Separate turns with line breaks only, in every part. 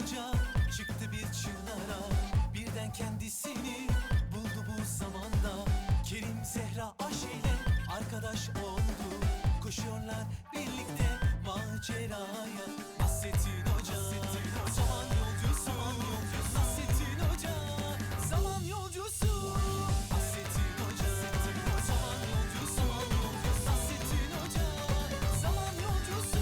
Hoca çıktı bir çığlara, birden kendisini buldu bu zamanda. Kerim, Zehra, Ayşe ile arkadaş oldu. Koşuyorlar birlikte maceraya. Nasrettin Hoca, zaman yolcusu. Nasrettin Hoca, zaman yolcusu. Nasrettin Hoca, zaman yolcusu. Nasrettin Hoca, zaman yolcusu.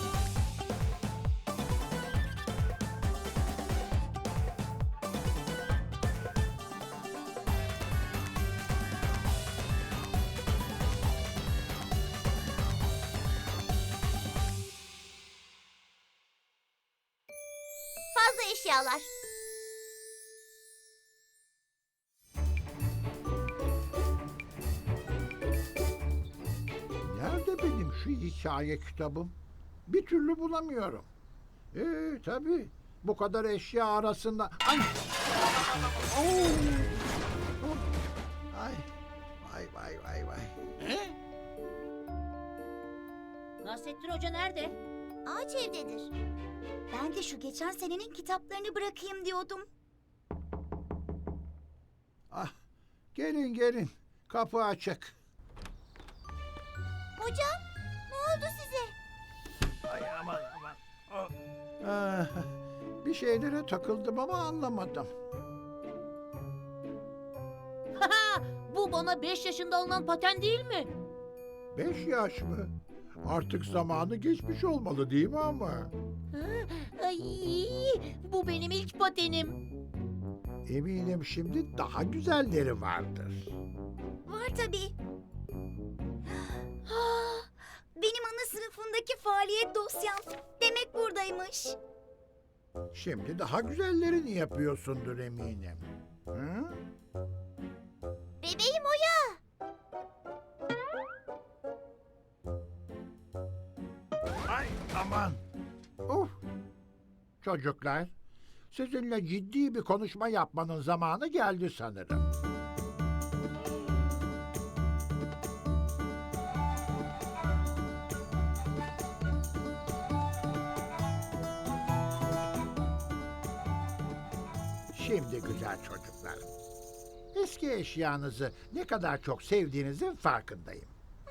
Fazla eşyalar.
Nerede benim şu hikaye kitabım? Bir türlü bulamıyorum. Tabii. Bu kadar eşya arasında... Ay! Oo! Ay! Vay vay vay vay.
Nasrettin Hoca nerede?
Ağaç evdedir. Ben de şu geçen senenin kitaplarını bırakayım diyordum.
Ah! Gelin gelin. Kapı açık.
Hocam, ne oldu size?
Ay aman aman. Ah, bir şeylere takıldım ama anlamadım.
Bu bana 5 yaşında alınan paten değil mi?
5 yaş mı? Artık zamanı geçmiş olmalı değil mi ama?
Ay, bu benim ilk patenim.
Eminim şimdi daha güzelleri vardır.
Var tabii. Benim ana sınıfındaki faaliyet dosyam. Demek buradaymış.
Şimdi daha güzellerini yapıyorsundur eminim. Hı?
Bebeğim Oya.
Ay aman. Of. Çocuklar, sizinle ciddi bir konuşma yapmanın zamanı geldi sanırım. Şimdi güzel çocuklar, eski eşyanızı ne kadar çok sevdiğinizin farkındayım.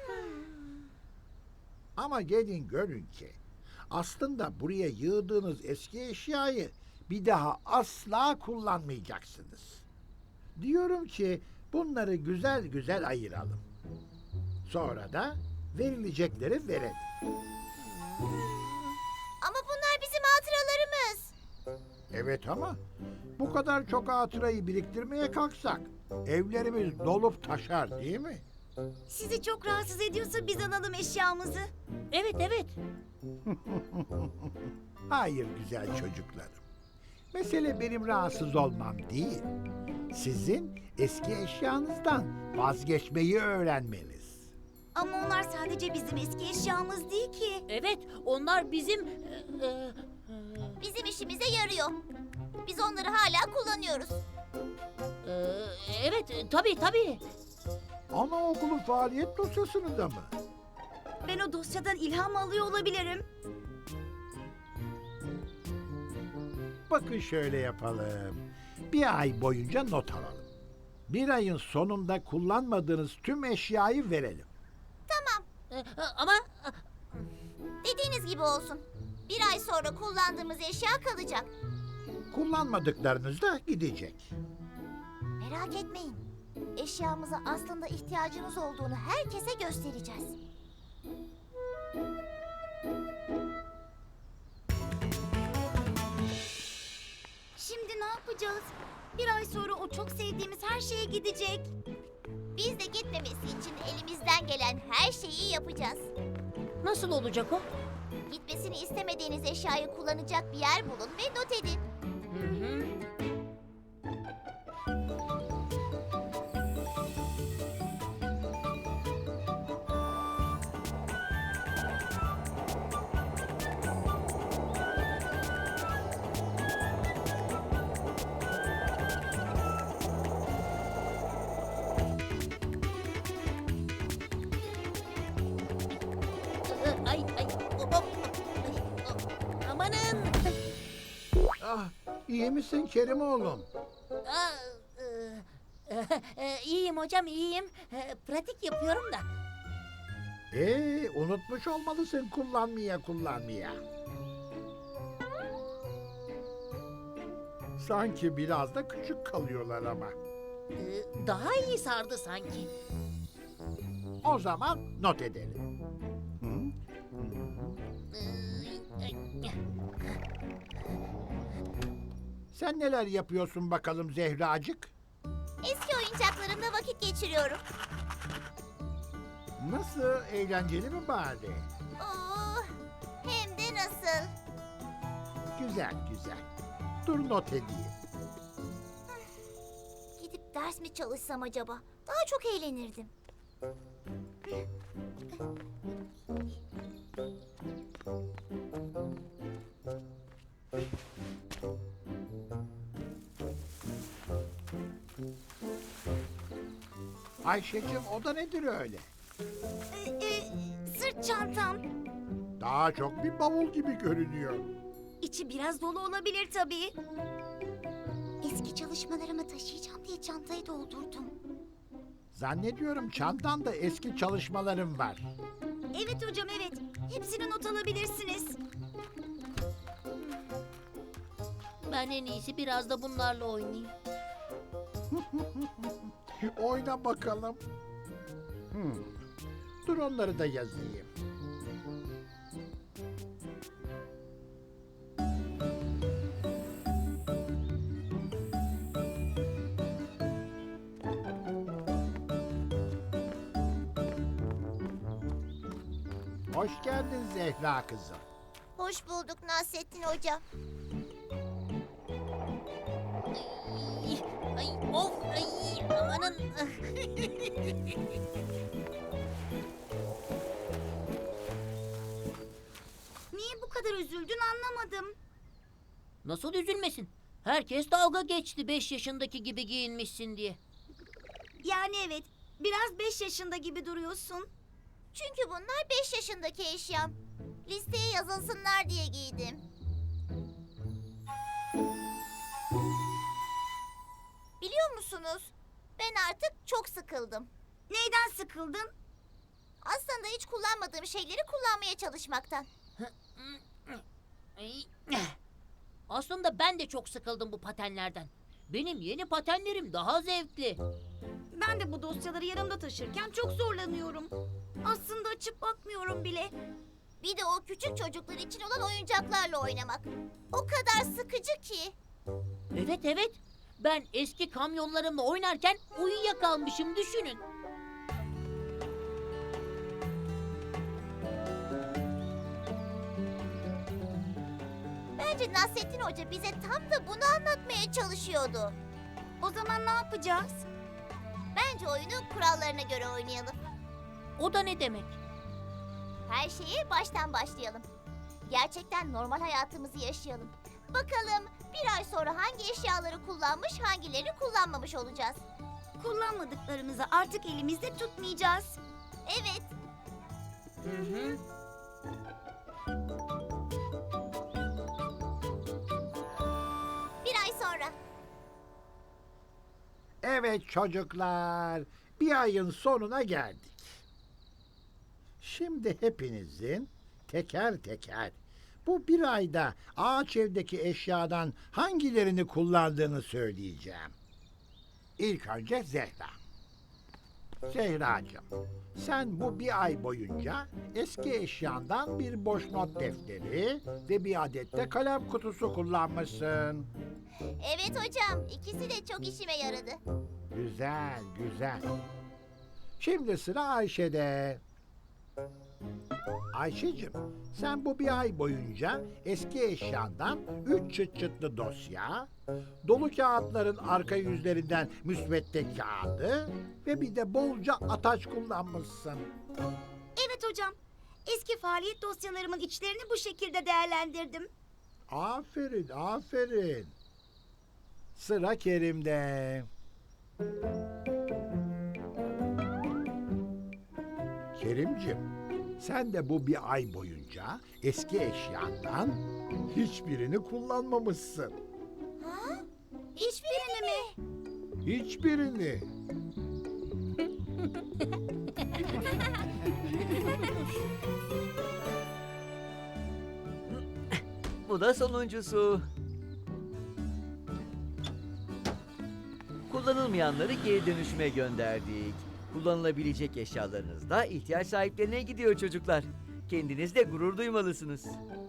Ama gelin görün ki aslında buraya yığdığınız eski eşyayı bir daha asla kullanmayacaksınız. Diyorum ki bunları güzel güzel ayıralım. Sonra da verilecekleri verelim.
Ama bunlar bizim hatıralarımız.
Evet ama bu kadar çok hatırayı biriktirmeye kalksak evlerimiz dolup taşar değil mi?
Sizi çok rahatsız ediyorsa biz alalım eşyamızı.
Evet evet.
Hayır güzel çocuklarım. Mesele benim rahatsız olmam değil. Sizin eski eşyanızdan vazgeçmeyi öğrenmeniz.
Ama onlar sadece bizim eski eşyamız değil ki.
Evet onlar bizim...
Bizim işimize yarıyor. Biz onları hala kullanıyoruz.
e, evet tabii.
Anaokulu faaliyet dosyasını da mı?
Ben o dosyadan ilham alıyor olabilirim.
Bakın şöyle yapalım. Bir ay boyunca not alalım. Bir ayın sonunda kullanmadığınız tüm eşyayı verelim.
Ama
Dediğiniz gibi olsun. Bir ay sonra kullandığımız eşya kalacak.
Kullanmadıklarınız da gidecek.
Merak etmeyin. Eşyamıza aslında ihtiyacımız olduğunu herkese göstereceğiz. Şimdi ne yapacağız? Bir ay sonra o çok sevdiğimiz her şeye gidecek. Biz de gitmemesi için elimizden gelen her şeyi yapacağız.
nasıl olacak o?
Gitmesini istemediğiniz eşyayı kullanacak bir yer bulun ve not edin.
Hı. Ay. Hop. Amanın.
iyi misin Kerim oğlum?
Aa, iyiyim hocam, iyiyim. Pratik yapıyorum da.
Unutmuş olmalısın kullanmaya. Sanki biraz da küçük kalıyorlar ama.
Daha iyi sardı sanki.
O zaman not edelim. Sen neler yapıyorsun bakalım Zehracık?
Eski oyuncaklarımla vakit geçiriyorum.
Nasıl, eğlenceli mi bari?
Oo, hem de nasıl?
Güzel. Dur not edeyim.
Gidip ders mi çalışsam acaba? Daha çok eğlenirdim.
Ayşe'cim, o da nedir öyle?
Sırt çantam.
Daha çok bir bavul gibi görünüyor.
İçi biraz dolu olabilir tabii. Eski çalışmalarımı taşıyacağım diye çantayı doldurdum.
Zannediyorum çantanda eski çalışmalarım var.
Evet hocam, evet. Hepsini not alabilirsiniz.
Ben en iyisi biraz da bunlarla oynayayım.
Oyna bakalım. Dur onları da yazayım. Hoş geldin Zehra kızım.
Hoş bulduk Nasrettin hocam.
Ay, of, ay, amanın.
Niye bu kadar üzüldün anlamadım.
Nasıl üzülmesin? Herkes dalga geçti 5 yaşındaki gibi giyinmişsin diye.
Yani evet, biraz 5 yaşında gibi duruyorsun. Çünkü bunlar 5 yaşındaki eşyam. Listeye yazılsınlar diye giydim. Biliyor musunuz? Ben artık çok sıkıldım. Neyden sıkıldın? Aslında hiç kullanmadığım şeyleri kullanmaya çalışmaktan.
Ay, aslında ben de çok sıkıldım bu patenlerden. Benim yeni patenlerim daha zevkli.
Ben de bu dosyaları yanımda taşırken çok zorlanıyorum. Aslında açıp bakmıyorum bile. Bir de o küçük çocuklar için olan oyuncaklarla oynamak. O kadar sıkıcı ki.
Evet. Ben eski kamyonlarımla oynarken uyuyakalmışım, düşünün.
Bence Nasrettin Hoca bize tam da bunu anlatmaya çalışıyordu. O zaman ne yapacağız? Bence oyunu kurallarına göre oynayalım.
O da ne demek?
Her şeye baştan başlayalım. Gerçekten normal hayatımızı yaşayalım. Bakalım bir ay sonra hangi eşyaları kullanmış, hangilerini kullanmamış olacağız. Kullanmadıklarımızı artık elimizde tutmayacağız. Evet.
Hı.
Bir ay sonra.
Evet çocuklar, bir ayın sonuna geldik. Şimdi hepinizin teker teker bu bir ayda ağaç evdeki eşyadan hangilerini kullandığını söyleyeceğim. İlk önce Zehra. Zehracığım, sen bu bir ay boyunca eski eşyandan bir boş not defteri ve bir adet de kalem kutusu kullanmışsın.
Evet hocam, ikisi de çok işime yaradı.
Güzel. Şimdi sıra Ayşe'de. Ayşe'cim, sen bu bir ay boyunca eski eşyandan 3 çıt çıtlı dosya, dolu kağıtların arka yüzlerinden müsvedde kağıdı ve bir de bolca ataç kullanmışsın.
Evet hocam, eski faaliyet dosyalarımın içlerini bu şekilde değerlendirdim.
Aferin. Sıra Kerim'de. Kerimcim, Sen de bu bir ay boyunca eski eşyandan hiçbirini kullanmamışsın.
Hiçbirini mi?
Hiçbirini.
Bu da sonuncusu. Kullanılmayanları geri dönüşüme gönderdik. Kullanılabilecek eşyalarınız da ihtiyaç sahiplerine gidiyor çocuklar. Kendinizle gurur duymalısınız.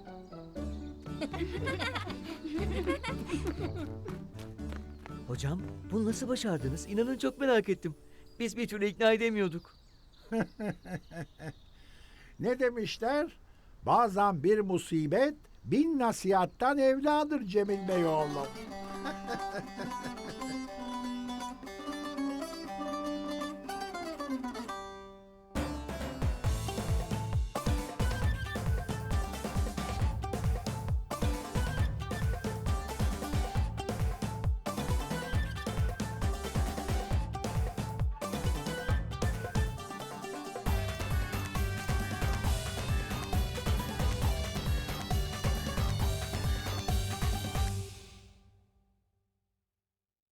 Hocam, bunu nasıl başardınız? İnanın çok merak ettim. Biz bir türlü ikna edemiyorduk.
Ne demişler? Bazen bir musibet bin nasihattan evladır Cemil Bey oğlum.